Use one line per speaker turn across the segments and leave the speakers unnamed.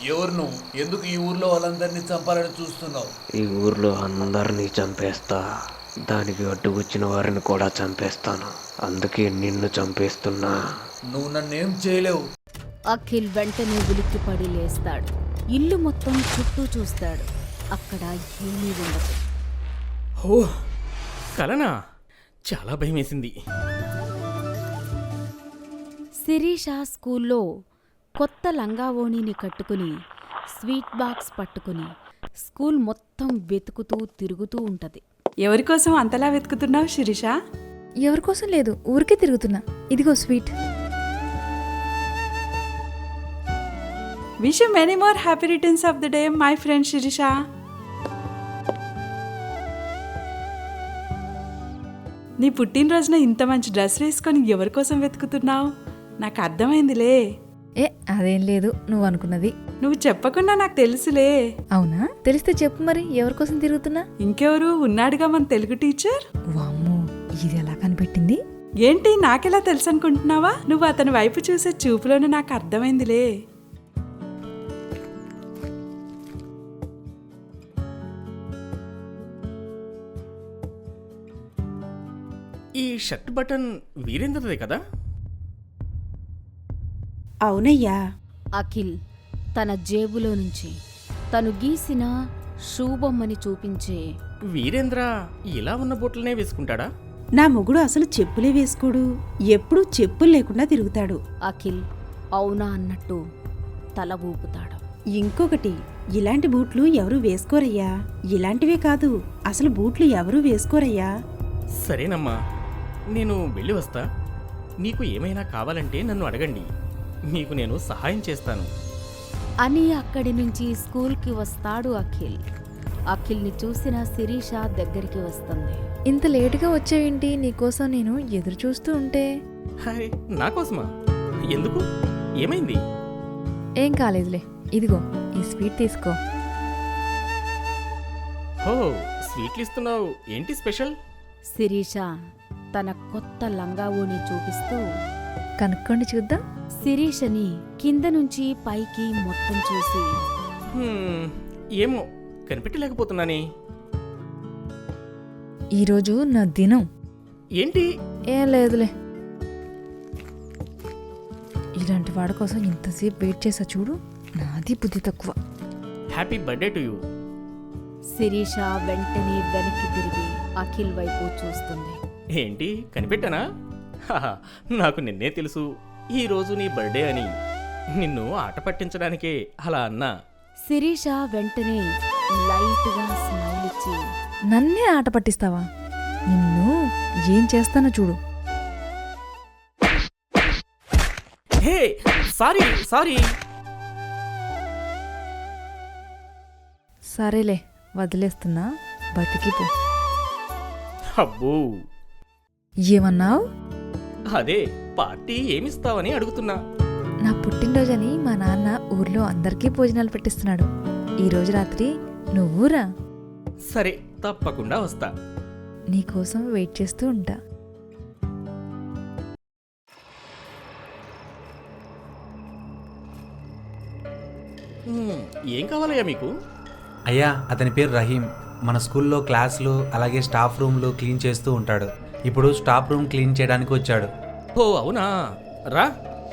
ఎవరు నువ్వు? ఎందుకు ఈ ఊర్లో వాళ్ళందరినీ చంపాలని చూస్తున్నావు?
ఈ ఊర్లో అందరినీ చంపేస్తా, దానికి అడ్డుకొచ్చిన వారిని కూడా చంపేస్తాను. అందుకే నిన్ను చంపేస్తున్నా.
నువ్వు నన్నేం చేయలేవు.
అఖిల్ వెంటనే ఉలిక్కిపడి లేస్తాడు. ఇల్లు మొత్తం చుట్టూ చూస్తాడు. అక్కడ ఏమీ ఉండదు.
ఓ కలనా? చాలా భయమేసింది.
శిరీష స్కూల్లో కొత్త లంగావోణిని కట్టుకుని స్వీట్ బాక్స్ పట్టుకుని స్కూల్ మొత్తం వెతుకుతూ తిరుగుతూ ఉంటది.
ఎవరికోసం అంతలా వెతుకుతున్నావు శిరీష?
ఎవరికోసం లేదు, ఊరికే తిరుగుతున్నా. ఇదిగో sweet.
Wish you many more happy returns of the day my friend Sirisha. నీ పుట్టినరోజున ఇంత మంచి డ్రెస్ వేసుకొని ఎవరికోసం వెతుకుతున్నావు? నాకు అర్థమైందిలే.
ఏ అదేం లేదు, నువ్వు అనుకున్నది.
నువ్వు చెప్పకుండా నాకు తెలుసులే.
అవునా? తెలిస్తే చెప్పు మరి, ఎవరికోసం తిరుగుతున్నా?
ఇంకెవరు ఉన్నాడుగా మన తెలుగు టీచర్.
వామ్మో, ఇది ఎలా కనిపెట్టింది?
ఏంటి నాకెలా తెలుసు అనుకుంటున్నావా? నువ్వు అతని వైపు చూసే చూపులోనే నాకు అర్థమైందిలే.
ఈ షర్ట్ బటన్ వీరేంద్రదే కదా?
అవునయ్యా.
అఖిల్ తన జేబులో నుంచి తను గీసిన షూ బొమ్మని చూపించే
వీరేంద్ర ఇలా ఉన్న బూట్లనే వేసుకుంటాడా?
నా మొగుడు అసలు చెప్పులే వేసుకోడు, ఎప్పుడూ చెప్పులు లేకుండా తిరుగుతాడు.
అఖిల్ అవునా అన్నట్టు తల ఊపుతాడు.
ఇంకొకటి, ఇలాంటి బూట్లు ఎవరూ వేసుకోరయ్యా. ఇలాంటివే కాదు, అసలు బూట్లు ఎవరూ వేసుకోరయ్యా.
సరేనమ్మా, నేను వెళ్ళి వస్తా. మీకు ఏమైనా కావాలంటే నన్ను అడగండి, మీకు నేను సహాయం చేస్తాను
అని అక్కడి నుంచి స్కూల్కి వస్తాడు అఖిల్. అఖిల్ని చూసిన శిరీష దగ్గరికి వస్తుంది.
ఇంత లేటుగా వచ్చావేంటి? నీకోసం నేను ఎదురు చూస్తూ ఉంటే.
హాయ్, నా కోసమా? ఎందుకు? ఏమైంది?
ఏం కాలేదులే, ఇదిగో ఈ స్వీట్ తీసుకో.
హో, స్వీట్లు ఇస్తున్నావు, ఏంటి స్పెషల్?
శిరీష తన కొత్త లంగావోని చూపిస్తూ
కనుక్కోండి చూద్దాం.
శిరీషని కింద నుంచి పైకి మొత్తం చూసి
ఏమో కనిపెట్టలేకపోతున్నానే.
ఈరోజు నా దినం.
ఏంటి?
ఏం లేదులే. ఇలాంటి వాడి కోసం ఇంతసేపు వెయిట్ చేసా చూడు, నాది బుద్ధి తక్కువ.
Happy birthday to you.
Sirisha వెంటనే వెనక్కి తిరిగి అఖిల్ వైపు చూస్తుంది.
ఏంటి కనిపెట్టానా? హాహా, నాకు నిన్నే తెలుసు ఈరోజు నీ బర్త్డే అని. నిన్ను ఆట పట్టించడానికే అలా అన్నా.
శిరీష వెంటనే లైట్గా స్మైల్ ఇచ్చి
నన్నే ఆట పట్టిస్తావా? నిన్ను ఏం చేస్తానో చూడు.
Hey, sorry sorry.
సరేలే, వదిలేస్తున్నా, బతికిపో.
అబ్బో,
ఏమన్నావు?
అదే పార్టీ ఏమిస్తావని అడుగుతున్నా.
నా పుట్టినరోజని మా నాన్న ఊర్లో అందరికీ భోజనాలు పెట్టిస్తున్నాడు. ఈరోజు రాత్రి నువ్వురా.
సరే, తప్పకుండా వస్తా.
నీకోసం వెయిట్ చేస్తూ ఉంటా.
ఏం కావాలయ్యా మీకు?
అయ్యా, అతని పేరు రహీం. మన స్కూల్లో క్లాసులు అలాగే స్టాఫ్ రూమ్లు క్లీన్ చేస్తూ ఉంటాడు. ఇప్పుడు స్టాఫ్ రూమ్ క్లీన్ చేయడానికి వచ్చాడు.
ఓ అవునా, రా.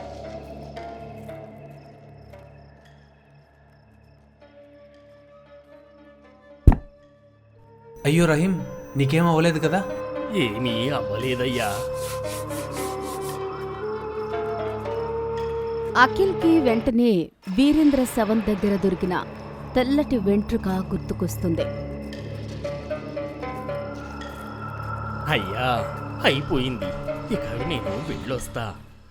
అయ్యో రహీం, నీకేం అవ్వలేదు కదా?
ఏమీ అవ్వలేదయ్యా.
అఖిల్కి వెంటనే వీరేంద్ర శవం దగ్గర దొరికిన తెల్లటి వెంట్రుక గుర్తుకొస్తుంది.
అయ్యా, అయిపోయింది, ఇక నేను వెళ్ళొస్తా.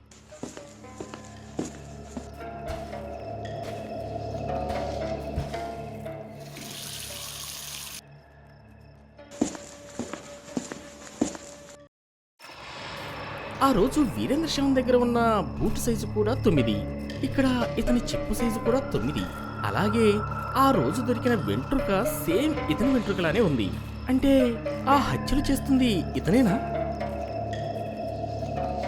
ఆ రోజు వీరేంద్ర శవం దగ్గర ఉన్న బూట్ సైజు కూడా 9, ఇక్కడ ఇతని చెప్పు సైజు కూడా 9. అలాగే ఆ రోజు దొరికిన వెంట్రుక సేమ్ ఇతని వెంట్రుకలానే ఉంది. అంటే ఆ హత్యలు చేస్తుంది ఇతనేనా?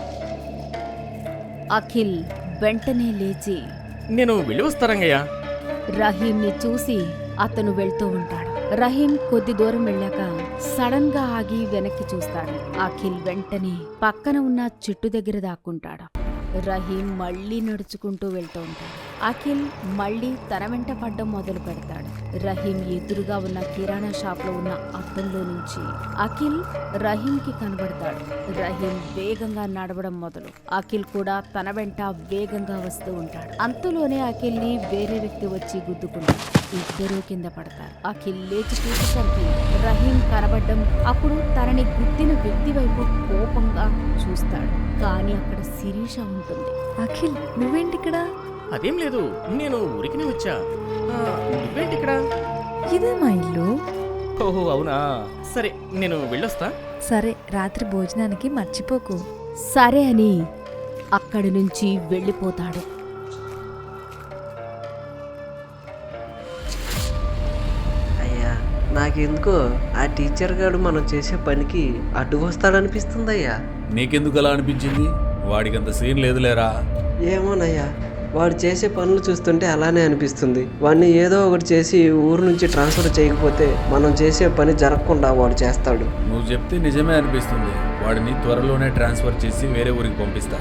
అఖిల్ వెంటనే లేచి
నేను వెళ్ళి వస్తారంగయ్యా.
రహీంని చూసి అతను వెళ్తూ ఉంటాడు. రహీం కొద్ది దూరం వెళ్ళాక సడన్ గా ఆగి వెనక్కి చూస్తాడు. అఖిల్ వెంటనే పక్కన ఉన్న చెట్టు దగ్గర దాక్కుంటాడు. రహీం మళ్ళీ నడుచుకుంటూ వెళ్తూ ఉంటాడు. అఖిల్ మళ్ళీ తన వెంట పడ్డం మొదలు పెడతాడు. రహీం ఎదురుగా ఉన్న కిరాణా షాప్ లో ఉన్న అద్దంలో నుంచి అఖిల్ రహీంకి కనబడతాడు. రహీం వేగంగా నడవడం మొదలు. అఖిల్ కూడా తన వెంట వేగంగా వస్తూ ఉంటాడు. అంతలోనే అఖిల్ ని వేరే వ్యక్తి వచ్చి గుద్దుకుంటాడు. ఇద్దరూ కింద పడతారు. అఖిల్ లేచి చూసేసరికి రహీం కనబడ్డం, అప్పుడు తనని గుద్దిన వ్యక్తి వైపు కోపంగా చూస్తాడు. కానీ అక్కడ శిరీష ఉంటుంది.
అఖిల్ నువ్వేంటి ఇక్కడ?
అదేం లేదు, నేను ఊరికినే వచ్చా. నువ్వేంటి ఇక్కడ?
ఇదే మా ఇల్లు.
ఓహో అవునా, సరే నేను వెళ్ళొస్తా.
సరే, రాత్రి భోజనానికి మర్చిపోకు.
సరే అని అక్కడి నుంచి వెళ్ళిపోతాడు.
అయ్యా, నాకెందుకో ఆ టీచర్ గారు మనం చేసే పనికి అడ్డు వస్తాడనిపిస్తుందయ్యా.
నీకెందుకు అలా అనిపించింది? వాడికంత సీన్ లేదులేరా.
ఏమోనయ్యా, వాడు చేసే పనులు చూస్తుంటే అలానే అనిపిస్తుంది. వాడిని ఏదో ఒకటి చేసి ఊరు నుంచి ట్రాన్స్ఫర్ చేయకపోతే మనం చేసే పని జరగకుండా వాడు చేస్తాడు.
నువ్వు చెప్తే నిజమే అనిపిస్తుంది. వాడిని త్వరలోనే ట్రాన్స్ఫర్ చేసి వేరే ఊరికి పంపిస్తా.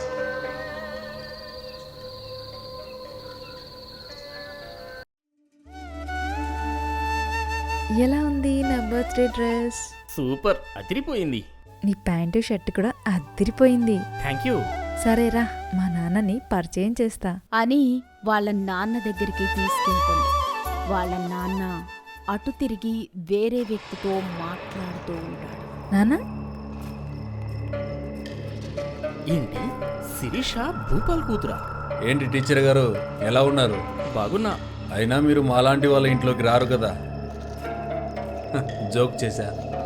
ఎలా ఉంది నా బర్త్డే డ్రెస్?
సూపర్, అదిరిపోయింది.
నీ ప్యాంటు షర్ట్ కూడా అదిరిపోయింది.
Thank you.
సరేరా, మా నాన్నని పరిచయం చేస్తా.
అని వాళ్ళ నాన్న దగ్గరికి తీసుకెళ్తుంది. వాళ్ళ నాన్న అటు తిరిగి వేరే వ్యక్తితో మాట్లాడుతూ ఉంటాడు.
నాన్న,
ఏంటి శిరీష భూపాల్ కూతురా?
ఏంటి టీచర్ గారు, ఎలా ఉన్నారు?
బాగున్నా.
అయినా మీరు మాలాంటి వాళ్ళ ఇంట్లోకి రారు కదా. జోక్ చేశా.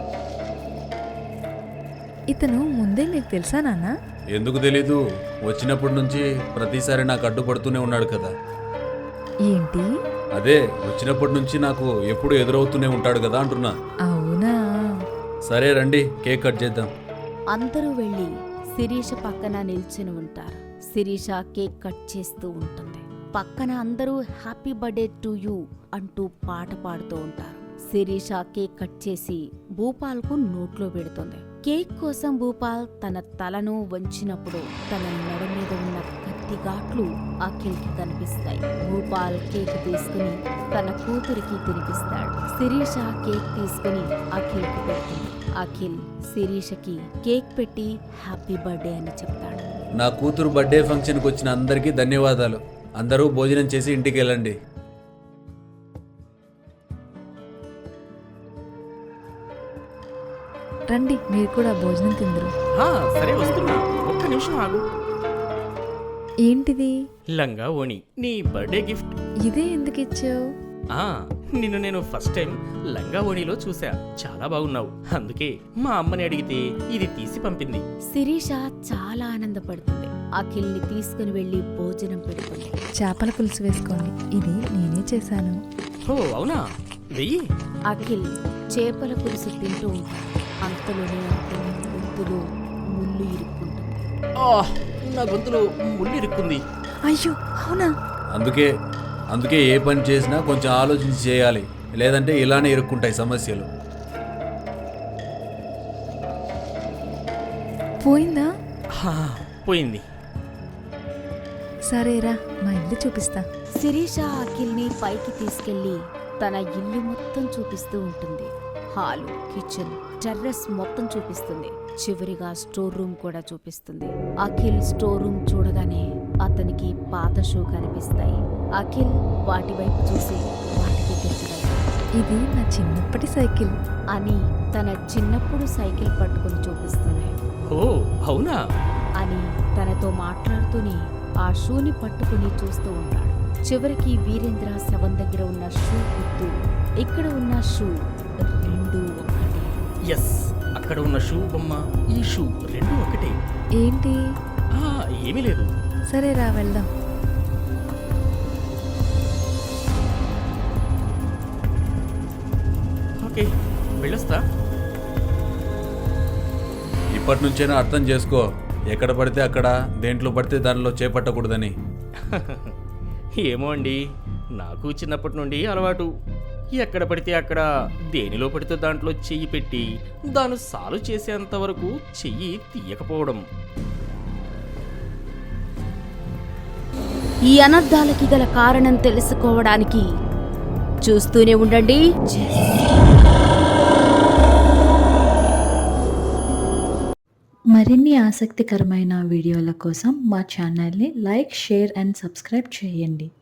ఇతను ముందే నీకు తెలుసా నాన్న?
ఎందుకు తెలీదు, వచ్చినప్పటి నుంచి ప్రతిసారి నాకు అడ్డుపడుతూనే ఉన్నాడు కదా.
ఏంటి?
అదే, వచ్చినప్పటి నుంచి నాకు ఎప్పుడు ఎదురవుతూనే ఉంటాడు కదా అంటున్నా.
అవునా?
సరే రండి, కేక్ కట్ చేద్దాం.
అందరూ వెళ్ళి శిరీష పక్కన నిల్చుని ఉంటారు. శిరీష కేక్ కట్ చేస్తూ ఉంటుంది. పక్కన అందరూ హ్యాపీ బర్త్డే టు యూ అంటూ పాట పాడుతూ ఉంటారు. శిరీష కేక్ కట్ చేసి భూపాల్కు నోట్లో పెడుతుంది. కేక్ కోసం భూపాల్ తన తలను వంచినప్పుడు తన మెడ మీద ఉన్న కత్తి ఘాట్లు అఖిల్కి కనిపిస్తాయి. భూపాల్ కేక్ తీసుకుని తన కూతురికి తినిపిస్తాడు. శిరీష కేక్ తీసుకుని అఖిల్కి పెడుతుంది. అఖిల్ శిరీషకి కేక్ పెట్టి హ్యాపీ బర్త్డే అని చెప్తాడు.
నా కూతురు బర్త్డే ఫంక్షన్కి వచ్చిన అందరికీ ధన్యవాదాలు. అందరూ భోజనం చేసి ఇంటికి వెళ్ళండి.
రండి, మీరు కూడా భోజనం తిందరు.
సరే వస్తున్నా, ఒక్క నిమిషం ఆగు.
ఏంటిది?
లంగా ఓణి, నీ బర్త్డే గిఫ్ట్.
ఇదే ఎందుకు ఇచ్చావు?
నిన్ను నేను ఫస్ట్ టైం లంగా ఓణిలో చూసా. చాలా బాగున్నావు. అందుకే మా అమ్మని అడిగితే ఇది తీసి పంపింది.
శిరీష చాలా ఆనందపడుతుంది. అఖిల్ని తీసుకుని వెళ్లి భోజనం పెడుతుంది.
చేపల పులుసు వేసుకోండి, ఇది నేనే చేశాను.
ఓ అవునా, వెయ్యి.
అఖిల్ చేపల పులుసు తింటూ ఉంటాడు. అంతలోనే అతని గొంతులో ముళ్ళు ఇరుక్కుంటుంది.
నా గొంతులో ముళ్ళు ఇరుక్కుంది.
అయ్యో అవునా?
అందుకే ఏ పని చేసినా కొంచెం ఆలోచించి చేయాలి, లేదంటే ఇలానే ఇరుక్కుంటాయి సమస్యలు.
పోయిందా?
పోయింది.
సరేరా, మా ఇల్లు చూపిస్తా.
శిరీష అఖిల్ని పైకి తీసుకెళ్లి తన ఇల్లు మొత్తం చూపిస్తూ ఉంటుంది. హాలు, కిచెన్, టెర్రస్ మొత్తం చూపిస్తుంది. చివరిగా స్టోర్ రూమ్ కూడా చూపిస్తుంది. అఖిల్ స్టోర్ రూమ్ చూడగానే అతనికి పాత షూ కనిపిస్తాయి. అఖిల్ వాటి వైపు చూసి వాటికి తెచ్చుకెళ్తాడు.
ఇది నా చిన్నప్పటి సైకిల్
అని తన చిన్నప్పుడు సైకిల్ పట్టుకుని చూపిస్తుంది.
ఓ అవునా
అని తనతో మాట్లాడుతూనే ఆ షూని పట్టుకుని చూస్తూ ఉంటాడు. చివరికి వీరేంద్ర శవం దగ్గర ఉన్న షూ గుర్తు, ఇక్కడ ఉన్న షూ రెండు ఒకటే.
ఎస్, అక్కడ ఉన్న షూ బొమ్మ, ఈ షూ రెండు ఒకటే.
ఏంటి?
ఏమీ లేదు.
సరేరా, వెళ్దాం.
ఓకే, వెళ్ళొస్తా.
ఇప్పటి నుంచైనా అర్థం చేసుకో, ఎక్కడ పడితే అక్కడ, దేంట్లో పడితే దానిలో చేపట్టకూడదని.
ఏమో అండి, నాకు చిన్నప్పటి నుండి అలవాటు. ఎక్కడ పడితే అక్కడ, దేనిలో పడితే దాంట్లో చెయ్యి పెట్టి దాన్ని సాల్వ్ చేసేంత వరకు చెయ్యి తీయకపోవడం.
ఈ అనర్థాలకి గల కారణం తెలుసుకోవడానికి చూస్తూనే ఉండండి.
మరిన్ని ఆసక్తికరమైన వీడియోల కోసం మా ఛానల్ని లైక్, షేర్ అండ్ సబ్స్క్రైబ్ చేయండి.